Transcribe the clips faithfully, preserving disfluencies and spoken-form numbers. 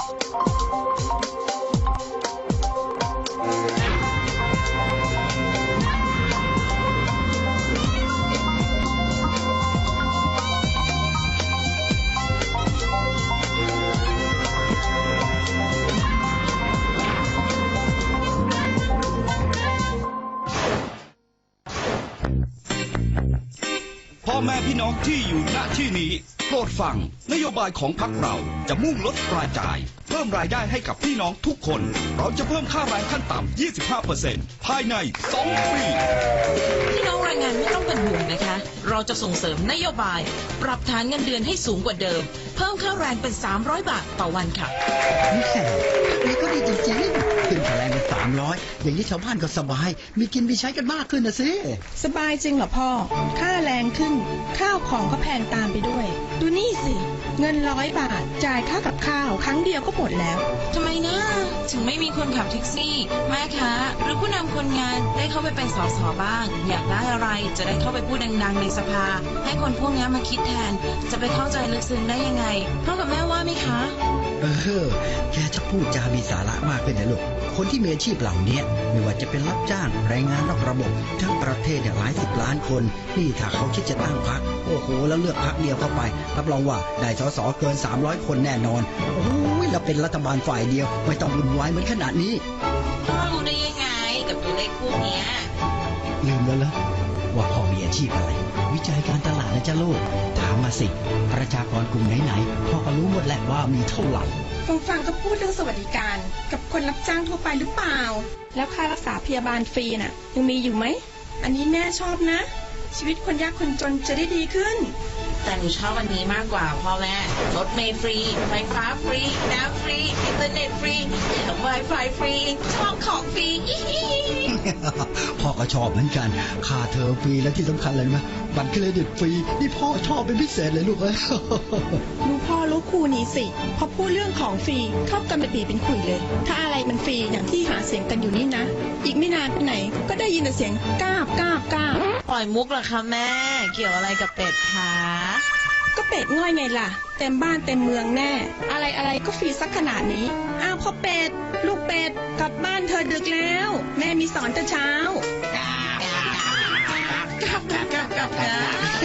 พ่อแม่พี่น้องที่อยู่ณที่นี้โปรดฟังนโยบายของพรรคเราจะมุ่งลดรายจ่ายเพิ่มรายได้ให้กับพี่น้องทุกคนเราจะเพิ่มค่าแรงขั้นต่ำ ยี่สิบห้าเปอร์เซ็นต์ ภายในสองปีพี่น้องแรงงานไม่ต้องเป็นห่วงนะคะเราจะส่งเสริมนโยบายปรับฐานเงินเดือนให้สูงกว่าเดิมเพิ่มค่าแรงเป็นสามร้อยบาทต่อวันค่ะนี่ก็ดีจริงๆขึ้นค่าแรงเป็นสามร้อยอย่างนี้ชาวบ้านก็สบายมีกินมีใช้กันมากขึ้นนะสิสบายจริงเหรอพ่อค่าแรงขึ้นข้าวของก็แพงตามไปด้วยดูนี่สิเงินร้อยบาทจ่ายค่ากับข้าวครั้งเดียวก็หมดแล้วทำไมนะถึงไม่มีคนขับแท็กซี่แม่ค้าหรือผู้นำคนงานได้เข้าไปเป็นสสบ้างอยากได้อะไรจะได้เข้าไปพูดดังๆในสภาให้คนพวกนี้มาคิดแทนจะไปเข้าใจลึกซึ้งได้ยังไงพ่อกับแม่ว่าไหมคะเออแกจะพูดจามีสาระมากขึ้นนะลูกคนที่มีอาชีพเหล่านี้ไม่ว่าจะเป็นรับจ้างแรงงานนอกระบบทั้งประเทศเนี่ยหลายสิบล้านคนนี่ถ้าเขาคิดจะตั้งพรรคโอ้โหแล้วเลือกพรรคเดียวเข้าไปรับรองว่าได้สสเกินสามร้อยคนแน่นอนโอ้ยแล้วเป็นรัฐบาลฝ่ายเดียวไม่ต้องวุ่นวายเหมือนขนาดนี้พ่อรู้ได้ยังไงกับตัวเลขพวกนี้ลืมแล้วเหรอว่าพ่อมีอาชีพอะไรวิจัยการตลาดนะจ๊ะลูกถามมาสิประชากรกลุ่มไหนๆพ่อก็รู้หมดแหละว่ามีเท่าไหร่ฟังฟังก็พูดเรื่องสวัสดิการกับคนรับจ้างทั่วไปหรือเปล่าแล้วค่ารักษาพยาบาลฟรีน่ะยังมีอยู่ไหมอันนี้แม่ชอบนะชีวิตคนยากคนจนจะได้ดีขึ้นแต่หนูชอบวันนี้มากกว่าพ่อแม่รถเมล์ฟรีไฟฟ้าฟรีน้ำฟรีอินเทอร์เน็ตฟรีไวไฟฟรีชอบของฟรีพ่อก็ชอบเหมือนกันค่าเทอมฟรีและที่สำคัญเลยนะบัตรเครดิตฟรีนี่พ่อชอบเป็นพิเศษเลยลูกเอ้ยลูกพ่อรู้คู่นี้สิพอพูดเรื่องของฟรีเข้ากันเป็นปีเป็นขุยเลยถ้าอะไรมันฟรีอย่างที่หาเสียงกันอยู่นี่นะอีกไม่นานไปไหนก็ได้ยินแต่เสียงก้าบก้าบก้าบปล่อยมุกเหรอคะแม่เกี่ยวอะไรกับเป็ดคะก็เป็ดง่อยไงล่ะเต็มบ้านเต็มเมืองแน่อะไรอะไรก็ฟรีสักขนาดนี้อ้าวพ่อเป็ดลูกเป็ดกลับบ้านเธอดึกแล้วแม่มีสอนแต่เช้ากลับกลับกลับกลับนะ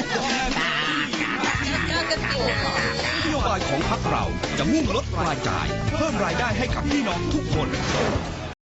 นโยบายของพรรคเราจะมุ่งลดรายจ่ายเพิ่มรายได้ให้กับพี่น้องทุกคน